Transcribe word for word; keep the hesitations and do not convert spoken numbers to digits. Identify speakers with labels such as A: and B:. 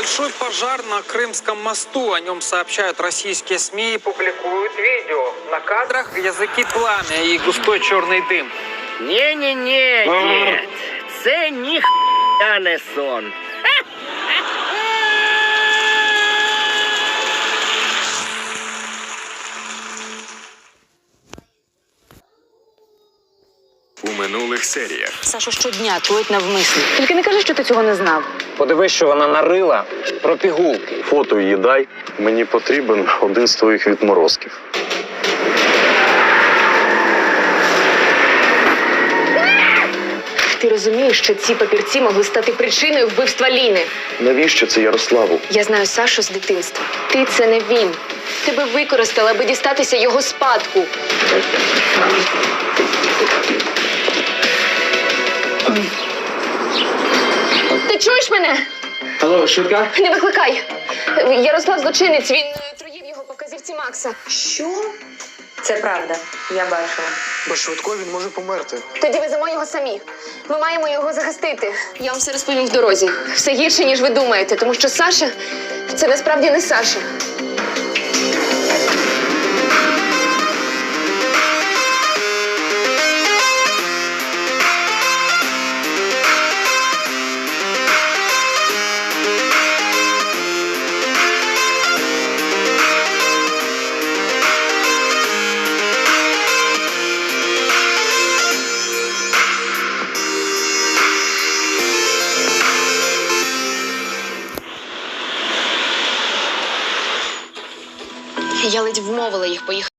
A: Большой пожар на Крымском мосту. О нем сообщают российские СМИ и публикуют видео. На кадрах языки пламя и густой черный дым.
B: Не-не-не, дід. Це ніхуя не сон.
C: У минулих серіях.
D: Сашу щодня трують навмисно. Тільки не кажи, що ти цього не знав.
A: Подивись, що вона нарила про пігулки.
E: Фото її дай. Мені потрібен один з твоїх відморозків.
D: Ти розумієш, що ці папірці могли стати причиною вбивства Ліни?
E: Навіщо це Ярославу?
D: Я знаю Сашу з дитинства. Ти – це не він. Тебе використали, аби дістатися його спадку. Ти чуєш мене?
A: Алло, швидка?
D: Не викликай. Ярослав злочинець, він труїв його по вказівці Макса.
F: Що? Це правда, я бачила.
G: Без швидкої він може померти.
D: Тоді веземо його самі. Ми маємо його захистити. Я вам все розповім в дорозі. Все гірше, ніж ви думаєте, тому що Саша – це насправді не Саша. Я ледь вмовила їх поїхати.